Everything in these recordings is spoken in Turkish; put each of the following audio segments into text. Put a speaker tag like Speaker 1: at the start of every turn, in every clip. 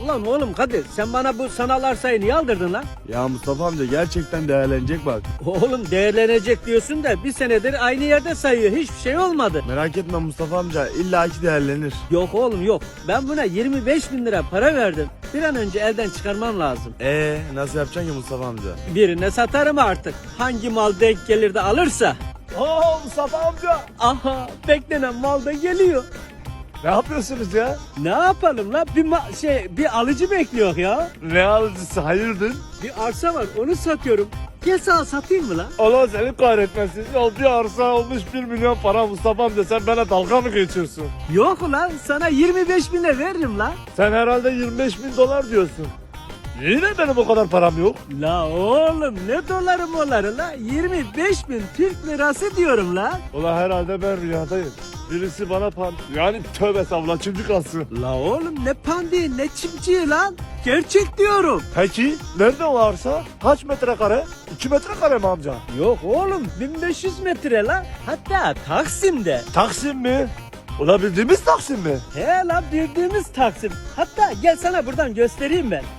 Speaker 1: Ulan oğlum Kadir, sen bana bu sanal arsayı niye aldırdın lan?
Speaker 2: Ya Mustafa amca gerçekten değerlenecek bak.
Speaker 1: Oğlum değerlenecek diyorsun da bir senedir aynı yerde sayıyor. Hiçbir şey olmadı.
Speaker 2: Merak etme Mustafa amca illaki değerlenir.
Speaker 1: Yok oğlum yok. Ben buna 25 bin lira para verdim. Bir an önce elden çıkarmam lazım.
Speaker 2: Nasıl yapacaksın ki Mustafa amca?
Speaker 1: Birine satarım artık. Hangi mal denk gelir de alırsa.
Speaker 2: Mustafa amca.
Speaker 1: Aha, beklenen mal da geliyor.
Speaker 2: Ne yapıyorsunuz ya?
Speaker 1: Ne yapalım la? Bir alıcı bekliyor ya.
Speaker 2: Ne alıcısı hayırdır?
Speaker 1: Bir arsa var, onu satıyorum. Gel sana satayım mı la?
Speaker 2: Allah seni kahretmesin. Ya bir arsa olmuş 1 milyon para Mustafa amca, sen bana dalga mı geçiyorsun?
Speaker 1: Yok ulan, sana 25 bine veririm la.
Speaker 2: Sen herhalde 25 bin dolar diyorsun. Yine benim o kadar param yok.
Speaker 1: La oğlum, ne doları moları la? 25 bin Türk lirası diyorum la.
Speaker 2: Ulan herhalde ben rüyadayım. Birisi bana yani tövbe estağfurullah çimdik alsın.
Speaker 1: La oğlum, ne pandiği ne çimciği lan? Gerçek diyorum.
Speaker 2: Peki nerede o arsa? Kaç metrekare? 2 metrekare mi amca?
Speaker 1: Yok oğlum, 1500 metre la. Hatta Taksim'de.
Speaker 2: Taksim mi? Ulan bildiğimiz Taksim mi?
Speaker 1: He la, bildiğimiz Taksim. Hatta gel sana buradan göstereyim ben.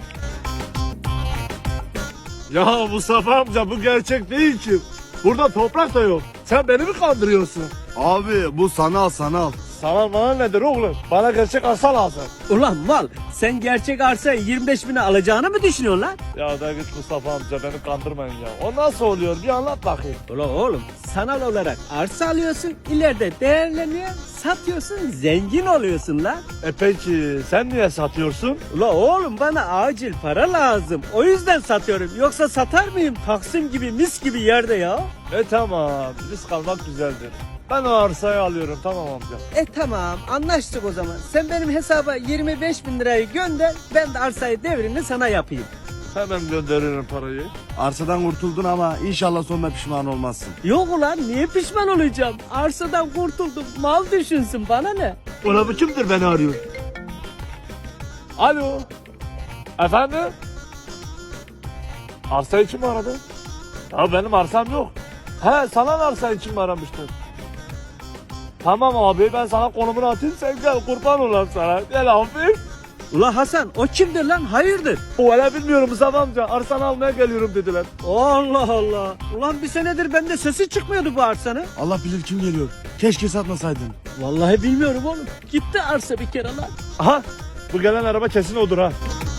Speaker 2: Ya Mustafa amca bu gerçek değil ki. Burada toprak da yok. Sen beni mi kandırıyorsun?
Speaker 3: Abi bu sanal.
Speaker 2: Sana bana nedir oğlum? Bana gerçek arsa lazım.
Speaker 1: Ulan mal, sen gerçek arsayı 25 bine alacağını mı düşünüyorsun lan?
Speaker 2: Ya da git Mustafa amca, beni kandırmayın ya. O nasıl oluyor? Bir anlat bakayım.
Speaker 1: Ulan oğlum, sanal olarak arsa alıyorsun, ileride değerleniyor, satıyorsun, zengin oluyorsun lan.
Speaker 2: Peki sen niye satıyorsun?
Speaker 1: Ulan oğlum, bana acil para lazım. O yüzden satıyorum. Yoksa satar mıyım Taksim gibi, mis gibi yerde ya?
Speaker 2: Tamam, risk almak güzeldir. Ben o arsayı alıyorum, tamam amca.
Speaker 1: Tamam, anlaştık o zaman. Sen benim hesaba 25 bin lirayı gönder, ben de arsayı devrini sana yapayım.
Speaker 2: Hemen gönderirim parayı.
Speaker 3: Arsadan kurtuldun ama inşallah sonunda pişman olmazsın.
Speaker 1: Yok ulan, niye pişman olacağım? Arsadan kurtuldum, mal düşünsün, bana ne?
Speaker 2: Ulan bu kimdir beni arıyor? Alo. Efendim? Arsa için mi aradın? Ya benim arsam yok. He, sana arsa için mi aramıştın? Tamam abi, ben sana konumunu atayım, sen gel, kurban olayım sana. Gel abi.
Speaker 1: Ulan Hasan, o kimdir lan, hayırdır?
Speaker 2: O öyle bilmiyorum Mustafa amca, arsanı almaya geliyorum dediler.
Speaker 1: Allah Allah. Ulan bir senedir bende sesi çıkmıyordu bu arsanın.
Speaker 3: Allah bilir kim geliyor. Keşke satmasaydın.
Speaker 1: Vallahi bilmiyorum oğlum. Gitti arsa bir kere lan.
Speaker 2: Aha, bu gelen araba kesin odur ha.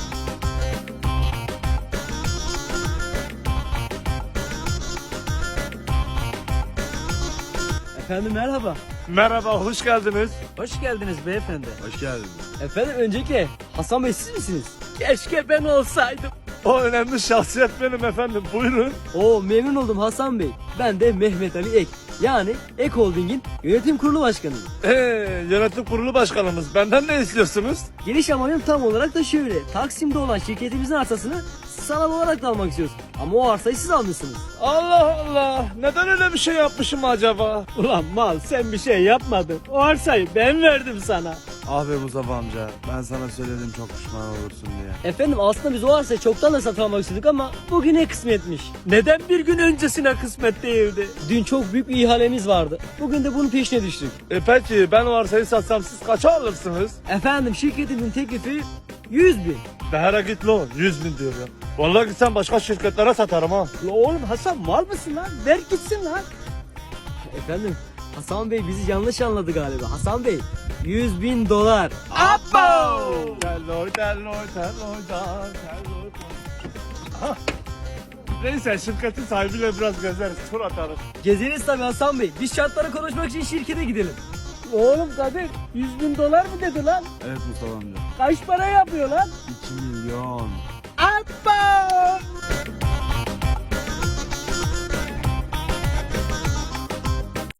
Speaker 1: Efendim merhaba.
Speaker 2: Merhaba, hoş geldiniz.
Speaker 1: Hoş geldiniz beyefendi.
Speaker 3: Hoş geldin.
Speaker 1: Efendim öncelikle Hasan Bey siz misiniz? Keşke ben olsaydım.
Speaker 2: O önemli şahsiyet benim efendim, buyurun.
Speaker 4: Oo, memnun oldum Hasan Bey. Ben de Mehmet Ali Ek. Yani Ek Holding'in yönetim kurulu başkanıyım.
Speaker 2: Yönetim kurulu başkanımız, benden ne istiyorsunuz?
Speaker 4: Geliş amacım tam olarak da şöyle. Taksim'de olan şirketimizin arsasını sanal olarak da almak istiyoruz. Ama o arsayı siz almışsınız.
Speaker 2: Allah Allah, neden öyle bir şey yapmışım acaba?
Speaker 1: Ulan mal, sen bir şey yapmadın. O arsayı ben verdim sana.
Speaker 3: Abi Mustafa amca ben sana söyledim çok pişman olursun diye.
Speaker 4: Efendim aslında biz o arsayı çoktan da satın almak istedik ama bugüne kısmetmiş.
Speaker 1: Neden bir gün öncesine kısmet değildi?
Speaker 4: Dün çok büyük bir ihalemiz vardı. Bugün de bunun peşine düştük.
Speaker 2: Peki ben o arsayı satsam siz kaça alırsınız?
Speaker 4: Efendim şirketimin teklifi 100 bin.
Speaker 2: Behara git lo, 100 bin diyor ya. Vallahi gitsem başka şirketlere satarım ha.
Speaker 1: La oğlum Hasan, mal mısın lan? Ver gitsin lan.
Speaker 4: Efendim Hasan Bey bizi yanlış anladı galiba. Hasan Bey 100 bin dolar.
Speaker 1: Abo!
Speaker 2: Telloy, telloy, telloy, telloy. Ah. Neyse şirketin sahibiyle biraz gezeriz, tur atarız.
Speaker 4: Gezeriz tabii Hasan Bey. Biz şartları konuşmak için şirkete gidelim.
Speaker 1: Oğlum Kadir, 100 bin dolar mı dedi lan?
Speaker 3: Evet Mustafa amca.
Speaker 1: Kaç para yapıyor lan?
Speaker 3: 2 milyon.